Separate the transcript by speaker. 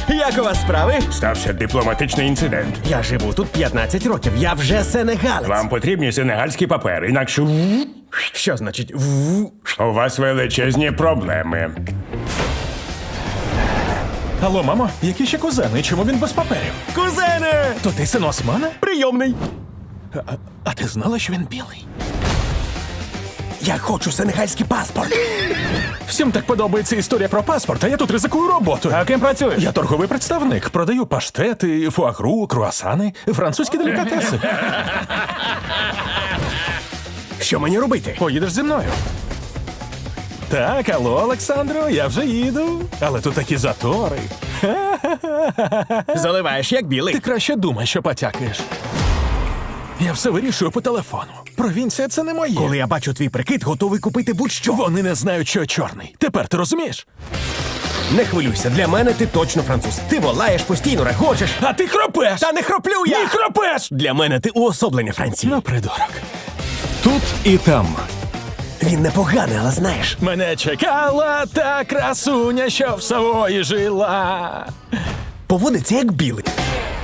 Speaker 1: Як у вас справи?
Speaker 2: Стався дипломатичний інцидент.
Speaker 1: Я живу тут 15 років, я вже сенегалець.
Speaker 2: Вам потрібні сенегальські папери, інакше
Speaker 1: Що значить
Speaker 2: у вас величезні проблеми.
Speaker 3: Алло, мамо, які ще кузени? Чому він без паперів?
Speaker 1: Кузене!
Speaker 3: То ти син Османа?
Speaker 1: Прийомний!
Speaker 3: А ти знала, що він білий?
Speaker 1: Я хочу сенегальський паспорт.
Speaker 3: Всім так подобається історія про паспорт, а я тут ризикую роботою.
Speaker 1: А ким працюєш?
Speaker 3: Я торговий представник. Продаю паштети, фуагру, круасани, французькі делікатеси.
Speaker 1: Що мені робити?
Speaker 3: Поїдеш зі мною. Так, алло, Олександро, я вже їду. Але тут такі затори.
Speaker 1: Заливаєш як білий.
Speaker 3: Ти краще думай, що потякаєш. Я все вирішую по телефону. Провінція — це не моє.
Speaker 1: Коли я бачу твій прикид, готовий купити будь-що.
Speaker 3: Вони не знають, що я чорний. Тепер ти розумієш?
Speaker 1: Не хвилюйся, для мене ти точно француз. Ти волаєш, постійно регочеш.
Speaker 3: А ти хропеш!
Speaker 1: Та не хроплю я!
Speaker 3: Ні, хропеш!
Speaker 1: Для мене ти уособлення Франції.
Speaker 3: Ну, придурок.
Speaker 4: Тут і там.
Speaker 1: Він непоганий, але знаєш.
Speaker 3: Мене чекала та красуня, що в Савої жила.
Speaker 1: Поводиться як білий.